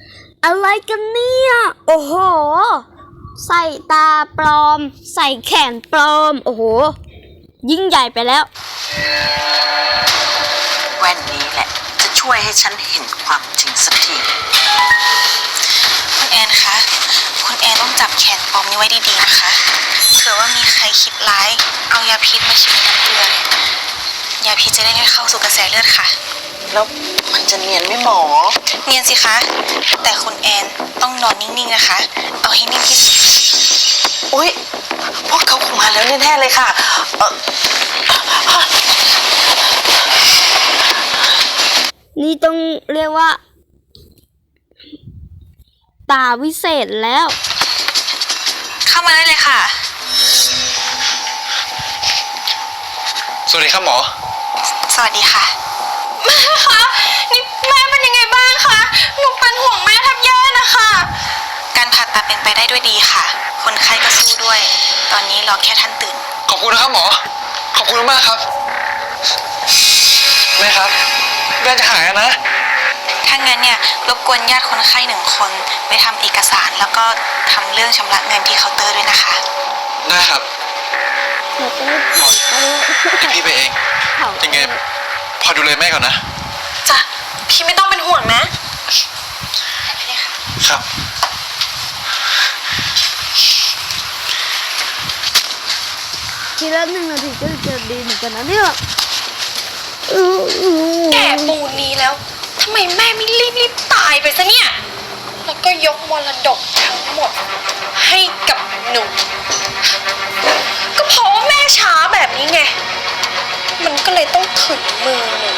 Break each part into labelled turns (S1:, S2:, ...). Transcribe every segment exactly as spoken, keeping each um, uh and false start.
S1: อะไรกันเนี่ยโอ้โหใส่ตาปลอมใส่แขนปลอมโอ้โหยิ่งใหญ่ไปแล้ว
S2: แว่นนี้แหละจะช่วยให้ฉันเห็นความจริงสักที
S3: คุณแอนคะคุณแอนต้องจับแขนปลอมนี้ไว้ดีๆนะคะเผื่อว่ามีใครคิดร้ายเอายาพิษมาฉีดในน้ำเกลือยาพิษจะได้ไม่เข้าสู่กระแสเลือดค่ะ
S2: แล้วมันจะเนียนไหมหมอ
S3: เนียนสิคะแต่คุณแอนต้องนอนนิ่งๆนะคะเอาให้นิ่งที่สุด
S2: อุ๊ยพวกเขาคงมาแล้วแน่ๆเลยค่ะ
S1: นี่ต้องเรียกว่าตาวิเศษแล้ว
S3: เข้ามาได้เลยค่ะ
S4: สวัสดีครับหมอ
S3: สวัสดีค่ะแม่คะนี่แม่เป็นยังไงบ้างคะหนูเป็นห่วงแม่แทบแย่นะคะการผ่าตัดเป็นไปได้ด้วยดีค่ะคนไข้ก็สู้ด้วยตอนนี้รอแค่ท่านตื่น
S4: ขอบคุณนะครับหมอขอบคุณมากครับแม่ครับแม่จะหายนะ
S3: ถ้างั้นเนี่ยรบกวนญาติคนไข้หนึ่งคนไปทำเอกสารแล้วก็ทำเรื่องชำระเงินที่เคาน์เตอร์ด้วยนะคะ
S4: ได้ครับพี่ไปเองยังไงพอดูแลแม่ก่อนนะ
S3: จ้ะพี่ไม่ต้องเป็นห่วงนะ
S4: ครั
S3: บ
S1: ทีละหนึ่งนาทีก็จะดีเหมือนกันนะเนี่ย
S3: แก่ปูนนี้แล้วทำไมแม่ไม่รีบรีบตายไปซะเนี่ยแล้วก็ยกมรดกทั้งหมดให้กับหนูก็เพราะว่าแม่ช้าแบบนี้ไงมันก็เลยต้องถึงมือหนู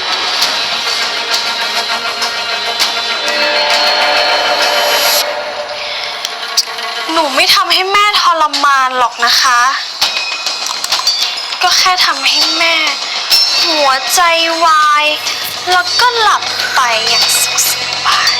S3: หนูไม่ทำให้แม่ทรมานหรอกนะคะก็แค่ทำให้แม่หัวใจวายแล้วก็หลับไปอย่างสุขสบาย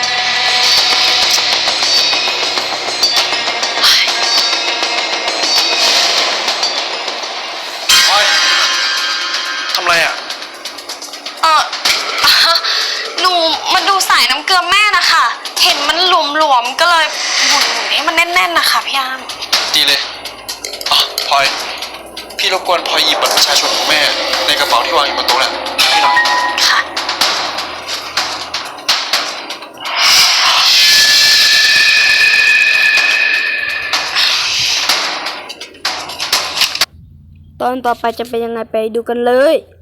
S4: โอ๊ยทำไรอ่ะ
S3: เออหนูมาดูสายน้ำเกลือแม่นะคะเห็นมันหลวมๆก็เลยหมุนๆให้มันแน่นๆนะคะพี่อาม
S4: ดีเลยอ๋อพลอยพี่รบกวนพลอยหยิบบัตรประชาชนของแม่ในกระเป๋าที่วางอยู่บนโต๊ะแหละพี่หน่อย
S3: ค่ะ
S1: ตอนต่อไปจะเป็นยังไงไปดูกันเลย